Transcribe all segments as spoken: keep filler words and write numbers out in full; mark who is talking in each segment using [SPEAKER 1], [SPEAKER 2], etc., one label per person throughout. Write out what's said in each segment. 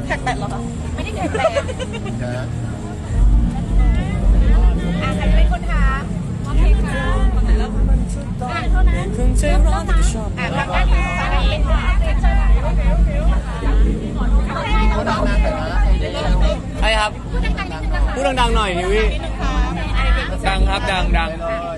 [SPEAKER 1] แปลกๆหรอคะไม่ได้แปลกๆอ่ะใครจะเป็นคนถามโอเคค่ะอ่ะเท่านั้น
[SPEAKER 2] คงใจร้อนที่ชอบ
[SPEAKER 1] อ่ะทางด้านนี้ทางนี้เชิญโอเคโอเคโอเคพูดดังๆหน่อยนะ
[SPEAKER 2] ใช่ครับ
[SPEAKER 1] พูดดังๆนิดนึงนะคะ
[SPEAKER 2] พูดดังๆหน่อยนิวี่
[SPEAKER 1] นิดนึงค่ะ
[SPEAKER 2] ดังครับดังดัง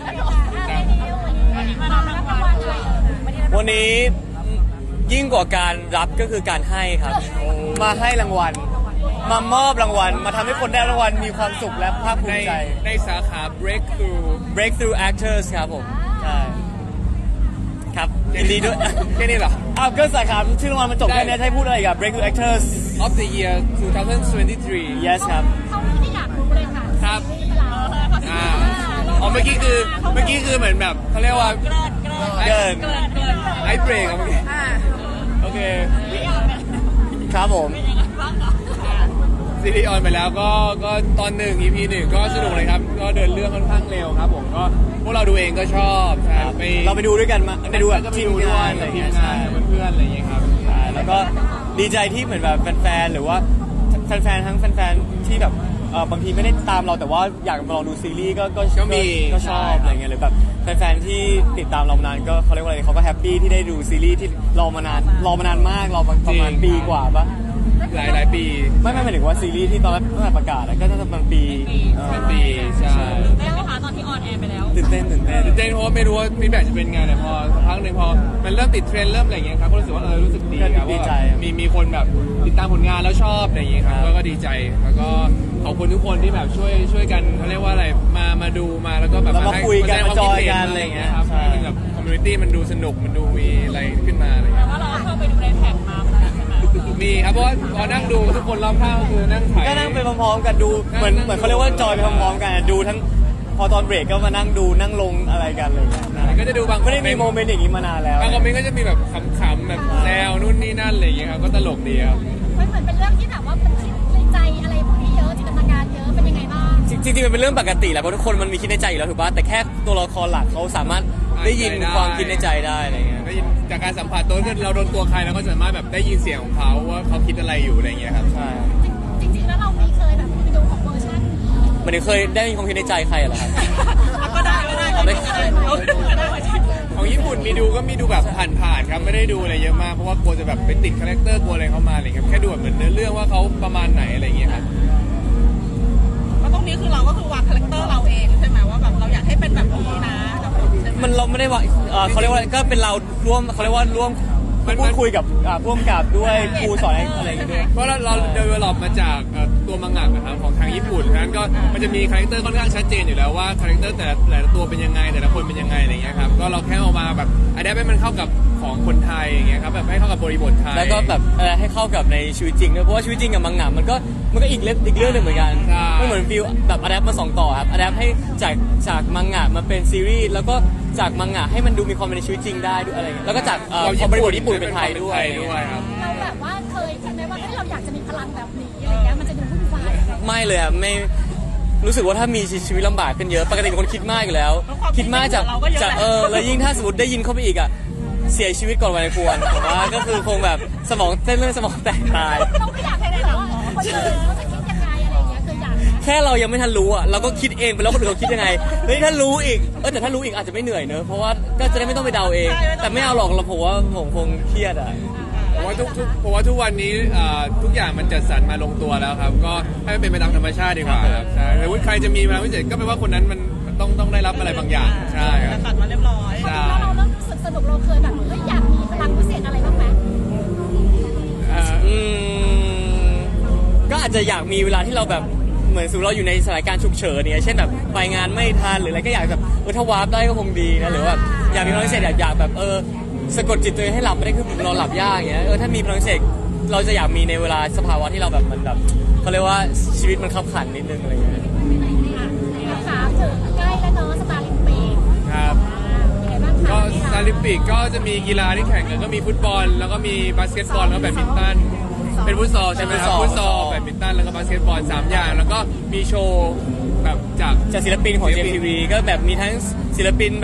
[SPEAKER 1] วันนี้มารับรางวัลอะไรเอ่ย
[SPEAKER 2] วันนี้ยิ่งกว่าการรับก็คือการให้ครับ มาให้รางวัล มามอบรางวัล มาทำให้คนได้รางวัลมีความสุขและภาคภู
[SPEAKER 3] ใน
[SPEAKER 2] มิใจ
[SPEAKER 3] ในสาขา breakthrough
[SPEAKER 2] breakthrough actors ครับผมใช่ครับยินดีด้วย
[SPEAKER 3] แค่นี้เหรอ
[SPEAKER 2] อ้าวก็สาขาชื่อรางวัลมันจบแค่นี้ให้พูดอะไรกับ breakthrough actors
[SPEAKER 3] of the year twenty twenty-three
[SPEAKER 2] yes ครับ
[SPEAKER 1] เขาไม่ได้อยากรู้เลยค่ะ
[SPEAKER 3] ครับ
[SPEAKER 1] อ่า
[SPEAKER 3] อ่าอ๋อเมื่อกี้คือเมื่อกี้คือเหมือนแบบเขาเรียกว่า
[SPEAKER 2] เกิน
[SPEAKER 3] ไอเบรกอะเมื่อกี้
[SPEAKER 2] โอเค ครับผม
[SPEAKER 3] ซีรีส์ออนไปแล้วก็ก็ตอนหนึ่ง อี พี หนึ่งก็สนุกเลยครับ ก็เดินเรื่องค่อนข้างเร็วครับผมก็พวกเราดูเองก็ชอบใช่ไป
[SPEAKER 2] เราไปดูด้วยกันมาไปดูกับ
[SPEAKER 3] ก็ไป
[SPEAKER 2] ทีม
[SPEAKER 3] ดูด้ว
[SPEAKER 2] งาย นอะไร
[SPEAKER 3] กับที
[SPEAKER 2] เงี้
[SPEAKER 3] ม
[SPEAKER 2] ย
[SPEAKER 3] งา
[SPEAKER 2] ใช่
[SPEAKER 3] นกับเพื่อนๆอะไรอย่างเงี้ยครับ
[SPEAKER 2] ใช่แล้วก็ดีใจที่เหมือนแบบแฟนๆหรือว่าแฟนๆทั้งแฟนๆที่แบบเออบางทีไม่ได้ตามเราแต่ว่าอยากมาลองดูซีรีส์ก็ก็
[SPEAKER 3] ก็มี
[SPEAKER 2] ก็ชอบอะไรเงี้ยหรือแบบแฟนๆที่ติดตามเรามานานก็เขาเรียกว่าอะไรเขาก็แฮปปี้ที่ได้ดูซีรีส์ที่รอมานานรอมานานมากรอประมาณปีกว่าปะ
[SPEAKER 3] หลายหลายปี
[SPEAKER 2] ไม่ไม่หมายถึงว่าซีรีส์ที่ตอนแรกตั้งแต่ประกาศอะก็น่าจะประมาณปีเออ
[SPEAKER 3] เป็นปีใช่
[SPEAKER 1] ได้ไหมคะตอนที่ออนแอร์ไปแล้ว
[SPEAKER 2] ตื่นเต้นตื่นเต้น
[SPEAKER 3] ตื่นเต้นเพราะว่าไม่รู้ว่าฟีดแบ็กจะเป็นไงแต่พอสักพักหนึ่งพอมันเริ่มติดเทรนด์เริ่มอะไรอย่างเงี้ยครับก็รู้สึกว่าเออรู้สึกดีครับว่ามีมีคนแบบติดตามผลงานแล้วชอบอะไรอย่างเงี้ยครับก็ก็ดีใจแล้วก็ขอบคุณทุกคนที่แบบช่วยช่วยกันเขาเรียกว่าอะไรมามาดูมาแล้วก็แบบ
[SPEAKER 2] แล้วมา
[SPEAKER 3] ให้
[SPEAKER 2] คุยกัน
[SPEAKER 3] แสดง
[SPEAKER 2] มา
[SPEAKER 3] คว
[SPEAKER 2] จอย
[SPEAKER 3] คิดห็
[SPEAKER 2] กันอะไรอย่างเงี้ย
[SPEAKER 3] ครับ
[SPEAKER 2] ใช่
[SPEAKER 3] ให้มันแบบคอมมูนิตี้มันดูสนุกมันดูมีอะไรขึ้นมาอะไรอย่างเงี้ย
[SPEAKER 1] ว่าเราเข้าไปดูในแท็กมาใช่ไหม
[SPEAKER 3] มีครับเพราะว่าพอนั่งดูทุกคนรอบข้างก็คือนั่งถ่าย
[SPEAKER 2] ก็นั่งไปพร้อมๆกันดูเหมือนเหมือนเขาเรียกว่าจอยไปพร้อมๆกันดูทั้งพอตอนเบรกก็มานั่งดูนั่งลงอะไรกันอะไรอย่างเงี้ยนะ
[SPEAKER 3] ก็จะดูบาง
[SPEAKER 2] ไม่ได้มีโมเมนต์อย่างนี้มานานแล้ว
[SPEAKER 3] บางคอมเมนต์ก็จะมีแบบขำๆแบบแซวนู่นนี่นั่นอะไรอย่างเงี้ยครับก็ตลกดีครับ
[SPEAKER 1] มันเหมือนเป็นเรื่องที่แบบว่ามันคิดในใจอะไรพวกนี้เยอะจินตนาการเยอะเป็นยังไงบ้าง
[SPEAKER 2] จริงๆมันเป็นเรื่องปกติแหละเพราะทุกคนมันมีคิดในใจอยู่แล้วถูกป่ะแต่แค่ตัวละครหลักเขาสามารถได้ยินความคิดในใจได้อะไรเงี้ย
[SPEAKER 3] ได้ยินจากการสัมผัสตัวคือเราโดนตัวใครเราก็สามารถแบบได้ยินเสียงของเขาว่าเขาคิดอะไรอยู่อะไรอย่างเงี้ยครับ
[SPEAKER 2] ใช่
[SPEAKER 1] จริงๆแล้วเรามีเคยแบบไปดูของเวอร์ชัน
[SPEAKER 2] มันเคยได้ยินความคิดในใจใครเหรอครับ
[SPEAKER 1] ก็ได้ก็ได้ก็ได้ก็ได้เวอร์ชัน
[SPEAKER 3] ของญี่ปุ่นมีดูก็มีดูแบบผ่านๆครับไม่ได้ดูอะไรเยอะมากเพราะว่ากลัวจะแบบไปติดคาแรคเตอร์กลัวอะไรเข้ามาอะไรเงี้ยแค่ดูแบบเหมือนเนื้อเรื่องว่าเขาประมาณไหนอะไรอย่างเงี้ยครับ
[SPEAKER 1] แล้วตรงนี้คือเราก็คือวางคาแรคเตอร์เราเองใช่ไหมว่าแบบเราอยากให้เป็นแบบนี้นะ
[SPEAKER 2] มันเราไม่ได้ว่าเอ่อเขาเรียกว่าก็เป็นเราร่วมเขาเรียกว่าร่วม
[SPEAKER 3] มัน
[SPEAKER 2] พูดคุยกับอ่าร่วมกับด้วยครูสอนอะไรอย่างเงี้ยด้วย
[SPEAKER 3] เพราะเราเราเดเวลลอปมาจากเอ่อตัวมังงะนะครับของทางญี่ปุ่นฉะนั้นก็มันจะมีคาแรคเตอร์ค่อนข้างชัดเจนอยู่แล้วว่าคาแรคเตอร์แต่ละแต่ละตัวเป็นยังไงแต่ละคนเป็นยังไงอะไรเงี้ยครับก็เราแค่เอามาแบบอันนี้ให้มันเข้ากับของคนไทยอย่างเงี้ยครับแบบให้เข้ากับบริบทไทย
[SPEAKER 2] แล้วก็แบบเอ่อให้เข้ากับในชีวิตจริงด้วยเพราะว่าชีวิตจริงกับมังงะมันก็มันก็อีกเรื่องอีกเรื่องหนึ่งเหมือนกันไม่เหมือนฟิลแบบอะแดปมาสองต่อครับอะแดปให้จากจากมังงะมาเป็นซีรีส์แล้วก็จากมังงะให้มันดูมีความเป็นในชีวิตจริงได้ด้วยอะไรเงี้ยแล้วก็จากเอ่อความบริบทญี่ปุ่นเป็นไทยด้วย
[SPEAKER 3] ด้วยครับ
[SPEAKER 1] เราแบบว่าเคยคิดไหมว่าถ้าเราอยากจะมีพลังแบบนี้อะไรเงี้ยมันจะดูวุ่นวาย
[SPEAKER 2] ไม่เลยอะไม่รู้สึกว่าถ้ามีชีวิตลำบากขึ้นเยอะปกติเป็นคนคิดมากอยู่แล้ว คิดมากจากจากเออแล้วยิ่งถ้าสมมติได้ยินเข้าไปอีกอะเสียชีวิตก่อนวัยควรผมว่าก็คือคงแบบสมองเส้นเลือดสมองแตกตาย
[SPEAKER 1] เราไม่อยากให้ได้แบบว่าคนอื่นเขาจะคิดยังไงอะไรเงี้ยคืออยากนะ
[SPEAKER 2] แค่เรายังไม่ทันรู้อ่ะเราก็คิดเองไปแล้วคนอื่นเขาคิดยังไงเฮ้ยถ้ารู้อีกเออแต่ถ้ารู้อีกอาจจะไม่เหนื่อยเนอะเพราะว่าก็จะได้ไม่ต้องไปเดาเอง แต่ไม่เอาหรอกเราผมว่าผมคงเครียดอ่ะ
[SPEAKER 3] ผมว่าทุกทุกผมว่าทุกวันนี้เอ่อทุกอย่างมันจัดสรรมาลงตัวแล้วครับก็ให้มันเป็นไปตามธรรมชาติดีกว่าครับใช่แต่ว่าใครจะมีพลังพิเศษก็แปลว่าคนนั้นมันต้องต้องได้รับอะไรบางอย่างใช่ครับ
[SPEAKER 1] ตัดมาเรียบร้อยจริงๆแล้วเราเริ่มรู้สึกสนุกเราเคยแบบเฮ้ยอยากมีพลังพิเศษอะไรบ้างไหม
[SPEAKER 3] เอ่อ
[SPEAKER 2] อืมก็อาจจะอยากมีเวลาที่เราแบบเหมือนสมมติเราอยู่ในสถานการณ์ฉุกเฉินเนี่ยเช่นแบบไปงานไม่ทันหรืออะไรก็อยากแบบเออถ้าวาร์ปได้ก็คงดีนะหรือว่าอยากมีพลังพิเศษอยากอยากแบบเออสะกดจิตตัวเองให้หลับไม่ได้คือเราหลับยากอย่างเงี้ยเออถ้ามีพลังพิเศษเราจะอยากมีในเวลาสภาวะที่เราแบบมันแบบเขาเรียกว่าชีวิตมันขับขันนิดนึงอะไรอย่างเงี้ย
[SPEAKER 1] ถามถึงใกล้แล้วเนาะสตาร์ลิมปิก
[SPEAKER 3] ครับ
[SPEAKER 1] ยังไงบ้างคะ
[SPEAKER 3] ก็ซาลิมปิกก็จะมีกีฬาที่แข่งกันก็มีฟุตบอล แล้วก็มีบาสเกตบอลแล้วก็แบดมินตันเป็นฟุตซอลใช่ไหมครับฟุตซอลแบดมินตันแล้วก็บาสเกตบอลสามอย่างแล้วก็มีโชว์แบบจาก
[SPEAKER 2] จากศิลปินของ เจ เอ็ม ที วี ก็แบบมีทั้งศิลปินแบบ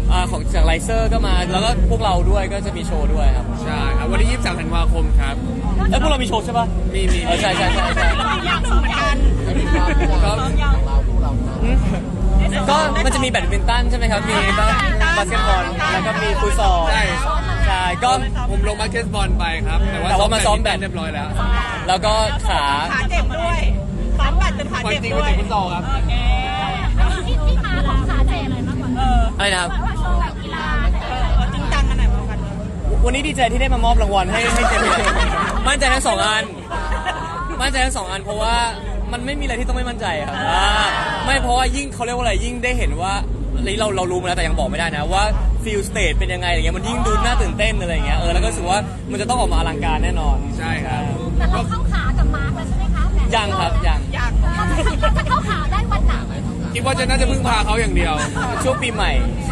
[SPEAKER 2] อ่าของจากไลเซอร์ก็มาแล้วก็พวกเราด้วยก็จะมีโชว์ด้วยครับ
[SPEAKER 3] ใช่ครับวันที่ยี่สิบสามธันวาคมครับ
[SPEAKER 2] เอ้ยพวกเรามีโชว์ใช่ปะ
[SPEAKER 3] มีมี
[SPEAKER 2] เออใช่ใช่ใช่ใช่
[SPEAKER 1] อยากสองเหมือนกัน
[SPEAKER 3] ก็
[SPEAKER 2] อืมก็มันจะมีแบดมินตันใช่ไหมครับมีบาบาสเกตบอลแล้วก็มีฟุตซอล
[SPEAKER 3] ใช่
[SPEAKER 2] ใช่ก็
[SPEAKER 3] ผมลงบาสเกตบอลไปครับ
[SPEAKER 2] แต่ว่ามาซ้อมแบด
[SPEAKER 3] เรียบร้อยแล้ว
[SPEAKER 2] แล้วก็ขา
[SPEAKER 1] ขาเจ็บด้วยซ้อมบัตรจนขา
[SPEAKER 3] วัน
[SPEAKER 1] เจ็บ
[SPEAKER 3] จริง
[SPEAKER 1] ด้
[SPEAKER 3] วัน
[SPEAKER 1] วย
[SPEAKER 3] จริงฟุตซอลครับ
[SPEAKER 1] โอเค
[SPEAKER 4] ที่ที่มาของขาเจ็บอะไรมากกว่า
[SPEAKER 1] เออ
[SPEAKER 2] อะไรนะครับ
[SPEAKER 4] ว่าโชว์แบบกีฬา
[SPEAKER 1] เออเออจริงจังกันไหนมากัน
[SPEAKER 2] วันนี้ดีใจที่ได้มามอบรางวัลให้ให้เจมส์มั่นใจทั้งสองอัน มั่นใจทั้งสองอันเพราะว่ามันไม่มีอะไรที่ต้องไม่มั่นใจครับอ่าไม่เพราะว่ายิ่งเขาเรียกว่าอะไรยิ่งได้เห็นว่าอันนี้เราเรารู้มาแล้วแต่ยังบอกไม่ได้นะว่าฟิลสเตจเป็นยังไงอะไรเงี้ยมันยิ่งดูน่าตื่นเต้นอะไรเงี้ยเออแล้วก็รู้สึกว่ามันจะต้องออกมาอลังการแน่นอน
[SPEAKER 3] ใช่ครับ
[SPEAKER 4] แต่เราเข้าขากับมาร์คแล้วใช่ไหมคะแหม
[SPEAKER 2] ยังครับยัง
[SPEAKER 1] อยาก
[SPEAKER 4] เราจะเข้าขาได้วันไหน
[SPEAKER 3] คิดว่าจะน่าจะพึ่งพาเขาอย่างเดียว
[SPEAKER 2] ช่วงปีใหม่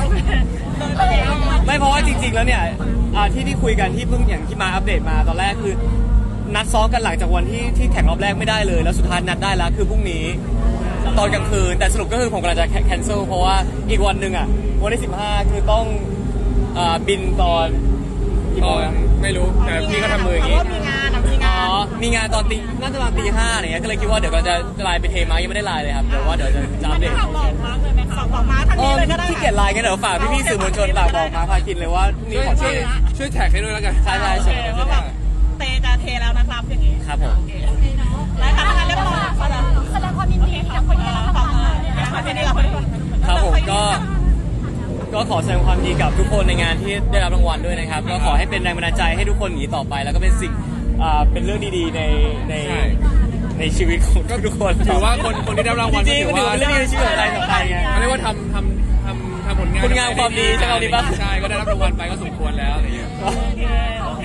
[SPEAKER 2] ไม่เพราะว่าจริง ๆ แล้วเนี่ยอ่าที่ที่คุยกันที่เพิ่งอย่างที่มาอัปเดตมาตอนแรกคือ นัดซ้อมกันหลังจากวันที่ที่แข่งรอบแรกไม่ได้เลย แล้วสุดท้ายนัดได้แล้วคือพรุ่งนี้ตอนกลางคืนแต่สรุปก็คือผมกำลังจะแคนเซิลเพราะว่าอีกวันหนึ่งอ่ะวันที่สิบห้าคือต้องอ่าบินตอนกี่
[SPEAKER 3] ต
[SPEAKER 2] โม
[SPEAKER 3] อง น
[SPEAKER 2] อะ
[SPEAKER 3] ไม่รู้แต่พี่ก็ทำมืออย่างนี้
[SPEAKER 1] มีงานอ่ะมี
[SPEAKER 2] อ๋
[SPEAKER 1] งา
[SPEAKER 2] อน มีงานตอนตีน่าจะประมาณตีห้าอะไรเงี้ยก็เลยคิดว่าเดี๋ยวก็จะไลน์ไปเทมายังไม่ได้ไลน์เลยครับเดี๋ยวว่าเดี๋ยวจะจะอัปเดต
[SPEAKER 1] ฝากบอกมาร์คเลยไหมคะฝากบอกมาร์คทัน
[SPEAKER 2] อ๋อ
[SPEAKER 1] ทีเลยก็ได้
[SPEAKER 2] ที่เกียรไลน์กันเดี๋ยวฝากพี่ๆสื่อมวลชนฝากบอกมาพาคินเลยว่าพรุ่งนี้
[SPEAKER 3] ช่วย
[SPEAKER 2] ขอ
[SPEAKER 3] ช่
[SPEAKER 2] เท
[SPEAKER 3] วยช่วยแท็กให้ด้วยแล้วกัน
[SPEAKER 2] ใช่ใช่
[SPEAKER 1] โอเค
[SPEAKER 2] ใช่
[SPEAKER 1] ว่าแบบเตจะเทแล้วนะครับอย่างงี้
[SPEAKER 2] ครับผม
[SPEAKER 1] แล้วทำงานเรียบร้อยแล้ว
[SPEAKER 4] แสดงความยินดีกับคนที่ได้รับรางวัลเลยนะ
[SPEAKER 1] มา
[SPEAKER 4] คะ
[SPEAKER 1] ที่นี่เราคน
[SPEAKER 2] ครับผมก็ก็ขอแสดงความยินดีกับทุกคนในงานที่ได้รับรางวัลด้วยนะครับก็ขอให้เป็นแรงบันดาลใจให้ทุกคนหนีต่อไป แล้วก็เป็นสิ่งอ่าเป็นเรื่องดีๆในใน
[SPEAKER 3] ใช่
[SPEAKER 2] ในชีวิตของทุกคน
[SPEAKER 3] ถือว่าคนคนที่ได้รับรางวัล
[SPEAKER 2] จริงๆ
[SPEAKER 3] ก็
[SPEAKER 2] มัน
[SPEAKER 3] ถื
[SPEAKER 2] ถื
[SPEAKER 3] อ
[SPEAKER 2] อ
[SPEAKER 3] ว่า
[SPEAKER 2] เป็นเรื่องดีในชีวิตของใครต่อใครไง
[SPEAKER 3] เขาเรียกว่าทำทำทำทำผลงาน
[SPEAKER 2] คุณงามความดีใช่ไหมดีปะ
[SPEAKER 3] ใช่ก็ได้รับรางวัลไปก็สมควรแล้วอะไรอย่างเงี้ย
[SPEAKER 1] โอเค